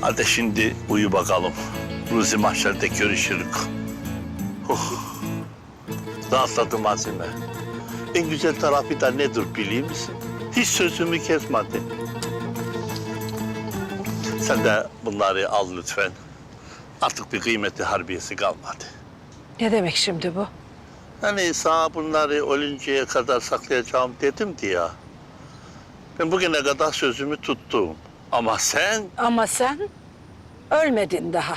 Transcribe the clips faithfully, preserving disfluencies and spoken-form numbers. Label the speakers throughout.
Speaker 1: Hadi şimdi uyu bakalım. Ruzi mahşerde görüşürük. Oh. Rahatladım Azime. En güzel tarafı da nedir biliyor musun? Hiç sözümü kesmedi. Sen de bunları al lütfen. Artık bir kıymeti harbiyesi kalmadı.
Speaker 2: Ne demek şimdi bu?
Speaker 1: Hani sana bunları ölünceye kadar saklayacağım dedim diye ya. Ben bugüne kadar sözümü tuttum. Ama sen...
Speaker 2: Ama sen ölmedin daha.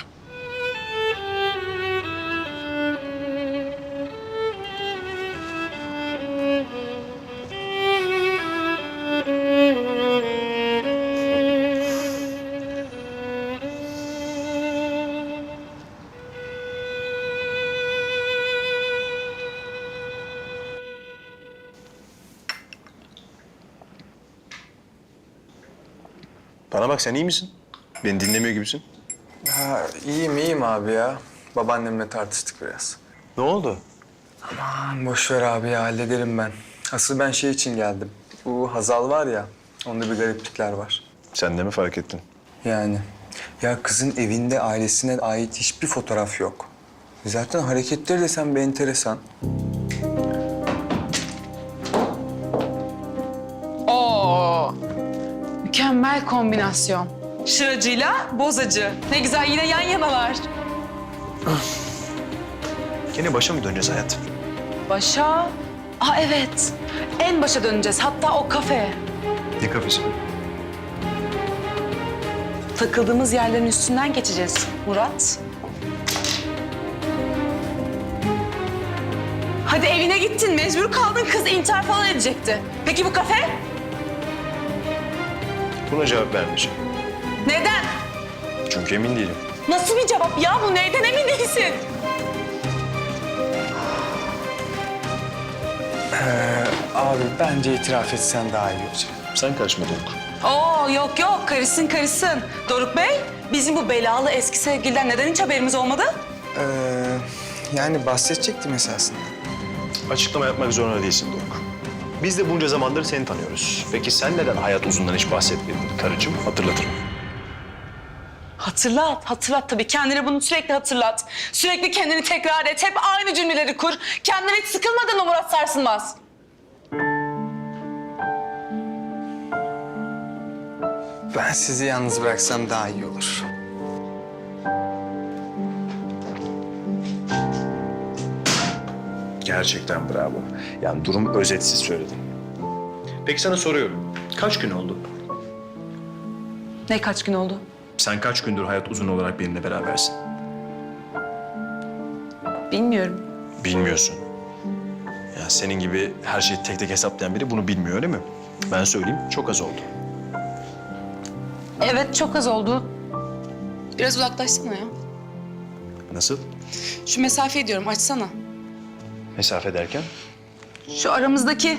Speaker 3: Bana bak, sen iyi misin? Beni dinlemiyor gibisin.
Speaker 4: Ha, iyiyim iyiyim abi ya. Babaannemle tartıştık biraz.
Speaker 3: Ne oldu?
Speaker 4: Aman boş ver abi ya, hallederim ben. Asıl ben şey için geldim. Bu Hazal var ya, onda bir gariplikler var.
Speaker 3: Sen de mi fark ettin?
Speaker 4: Yani ya kızın evinde ailesine ait hiçbir fotoğraf yok. Zaten hareketleri desem bir enteresan.
Speaker 5: Oo, mükemmel kombinasyon. Şıracıyla bozacı. Ne güzel, yine yan yanalar.
Speaker 3: Gene başa mı döneceğiz hayat?
Speaker 5: Başa? Aa evet. En başa döneceğiz. Hatta o kafe.
Speaker 3: Ne kafesi?
Speaker 5: Takıldığımız yerlerin üstünden geçeceğiz Murat. Hadi evine gittin, mecbur kaldın. Kız intihar falan edecekti. Peki bu kafe?
Speaker 3: Buna cevap vermeyeceğim.
Speaker 5: Neden?
Speaker 3: Çünkü emin değilim.
Speaker 5: Nasıl bir cevap ya bu? Neyden emin değilsin?
Speaker 4: Ee, abi bence itiraf etsen daha iyi olacak.
Speaker 3: Sen karışma Doruk.
Speaker 5: Oo yok yok, karışsın karışsın. Doruk Bey, bizim bu belalı eski sevgiliden neden hiç haberimiz olmadı?
Speaker 4: Ee, yani bahsedecektim esasında.
Speaker 3: Açıklama yapmak zorunda değilsin Doruk. Biz de bunca zamandır seni tanıyoruz. Peki sen neden hayat uzundan hiç bahsetmedin karıcığım? Hatırlatırım.
Speaker 5: Hatırlat, hatırlat tabii. Kendine bunu sürekli hatırlat. Sürekli kendini tekrar et. Hep aynı cümleleri kur. Kendine hiç sıkılmadın mı Murat Sarsılmaz?
Speaker 4: Ben sizi yalnız bıraksam daha iyi olur.
Speaker 3: Gerçekten bravo. Yani durum özetsiz söyledin. Peki sana soruyorum. Kaç gün oldu?
Speaker 5: Ne kaç gün oldu?
Speaker 3: Sen kaç gündür hayat uzun olarak benimle berabersin?
Speaker 5: Bilmiyorum.
Speaker 3: Bilmiyorsun. Ya senin gibi her şeyi tek tek hesaplayan biri bunu bilmiyor, öyle mi? Ben söyleyeyim, çok az oldu.
Speaker 5: Evet, çok az oldu. Biraz uzaklaşsana ya.
Speaker 3: Nasıl?
Speaker 5: Şu mesafeyi diyorum, açsana.
Speaker 3: Mesafe derken?
Speaker 5: Şu aramızdaki.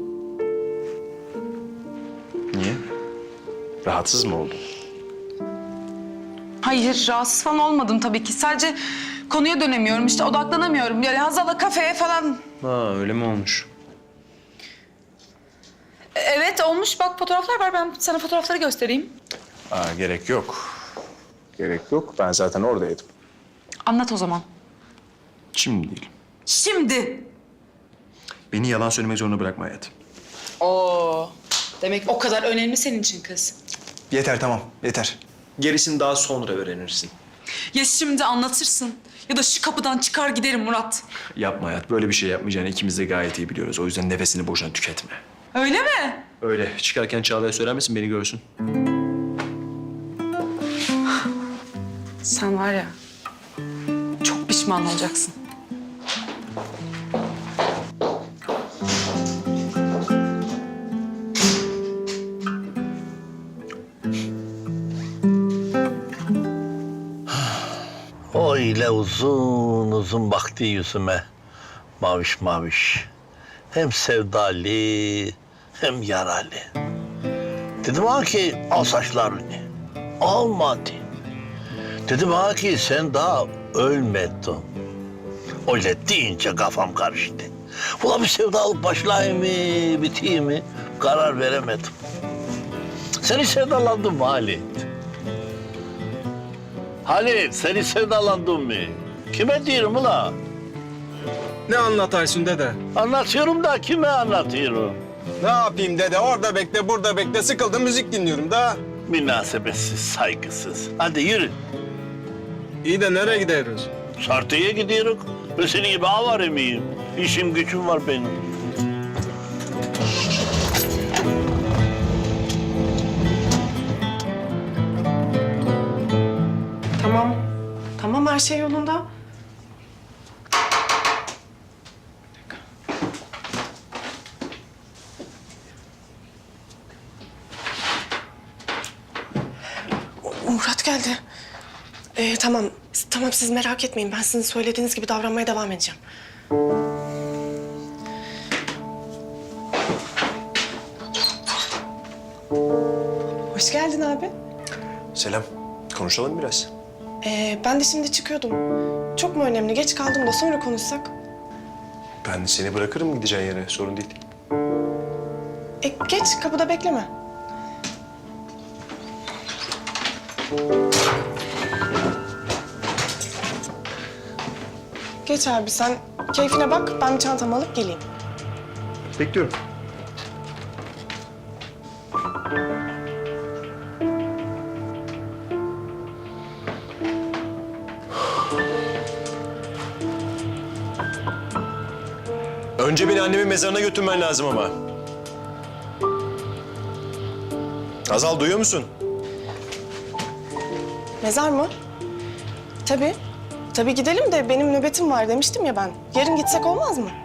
Speaker 3: Niye? Rahatsız mı oldun?
Speaker 5: Hayır, rahatsız falan olmadım tabii ki. Sadece konuya dönemiyorum, işte odaklanamıyorum. Yani Hazal'la kafeye falan.
Speaker 3: Ha, öyle mi olmuş?
Speaker 5: Evet, olmuş. Bak fotoğraflar var. Ben sana fotoğrafları göstereyim.
Speaker 3: Aa, gerek yok. Gerek yok. Ben zaten oradaydım.
Speaker 5: Anlat o zaman.
Speaker 3: Şimdi değil.
Speaker 5: Şimdi.
Speaker 3: Beni yalan söylemek zorunda bırakma hayat.
Speaker 5: Oo. Demek o kadar önemli senin için kız.
Speaker 3: Yeter, tamam. Yeter. Gerisini daha sonra öğrenirsin.
Speaker 5: Ya şimdi anlatırsın ya da şu kapıdan çıkar giderim Murat.
Speaker 3: Yapma hayat. Böyle bir şey yapmayacağını ikimiz de gayet iyi biliyoruz. O yüzden nefesini boşuna tüketme.
Speaker 5: Öyle mi?
Speaker 3: Öyle. Çıkarken Çağla'ya söyler misin? Beni görsün.
Speaker 5: Sen var ya, çok pişman olacaksın.
Speaker 1: O öyle uzun uzun baktı yüzüme. Maviş maviş. Hem sevdalı hem yaralı. Dedim ha ki al saçlarını. Almadı. Dedim ha ki sen daha ölmedin. Öyle deyince kafam karıştı. Ulan bir sevdalık başlayayım mı, biteyim mi? Karar veremedim. Seni sevdalandım mı Ali? Halit seni sevdalandın mı? Kime diyorum ula?
Speaker 6: Ne anlatarsın dede?
Speaker 1: Anlatıyorum da kime anlatıyorum?
Speaker 6: Ne yapayım dede? Orada bekle, burada bekle. Sıkıldım, müzik dinliyorum da.
Speaker 1: Münasebetsiz, saygısız. Hadi yürü.
Speaker 6: İyi de nereye gidiyoruz?
Speaker 1: Sartıya gidiyoruz. Ben senin gibi avare miyim? İşim gücüm var benim.
Speaker 7: Tamam. Tamam her şey yolunda. Murat geldi. Ee, tamam. Tamam siz merak etmeyin. Ben sizin söylediğiniz gibi davranmaya devam edeceğim. Hoş geldin abi.
Speaker 3: Selam. Konuşalım biraz.
Speaker 7: Ee, ben de şimdi çıkıyordum. Çok mu önemli? Geç kaldım da sonra konuşsak.
Speaker 3: Ben seni bırakırım gideceğin yere. Sorun değil.
Speaker 7: E, geç kapıda bekleme. Geç abi sen keyfine bak. Ben bir çantamı alıp geleyim.
Speaker 3: Bekliyorum. Önce beni annemin mezarına götürmen lazım ama. Azal duyuyor musun?
Speaker 7: Mezar mı? Tabii. Tabii gidelim de benim nöbetim var demiştim ya ben. Yarın gitsek olmaz mı?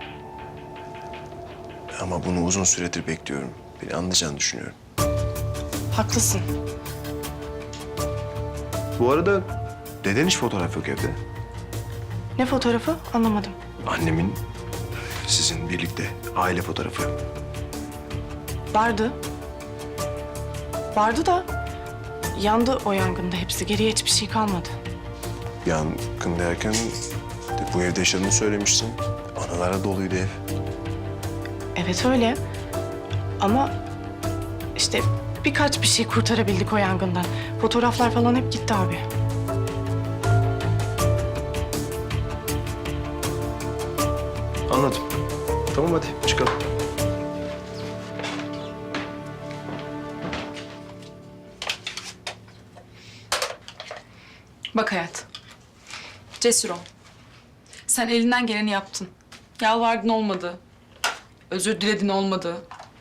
Speaker 3: Ama bunu uzun süredir bekliyorum. Beni anlayacağını düşünüyorum.
Speaker 7: Haklısın.
Speaker 3: Bu arada deden hiç fotoğraf yok evde.
Speaker 7: Ne fotoğrafı? Anlamadım.
Speaker 3: Annemin sizin birlikte aile fotoğrafı.
Speaker 7: Vardı. Vardı da yandı o yangında hepsi. Geriye hiçbir şey kalmadı.
Speaker 3: Yangın derken de bu evde yaşadığını söylemiştin. Analara doluydu ev.
Speaker 7: Evet öyle. Ama işte birkaç bir şey kurtarabildik o yangından. Fotoğraflar falan hep gitti abi.
Speaker 3: Anladım. Tamam hadi çıkalım.
Speaker 5: Bak hayat. Cesur ol. Sen elinden geleni yaptın. Yalvardın olmadı. Özür diledin olmadı.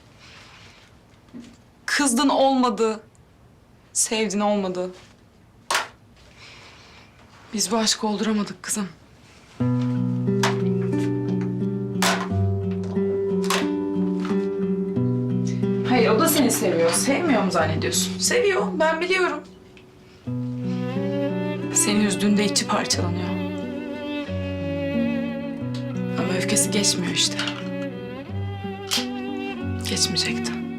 Speaker 5: Kızdın olmadı. Sevdin olmadı. Biz bu aşkı olduramadık kızım. Hayır, o da seni seviyor. Sevmiyor mu zannediyorsun? Seviyor, ben biliyorum. Seni üzdüğünde içi parçalanıyor. Ama öfkesi geçmiyor işte. Geçmeyecekti.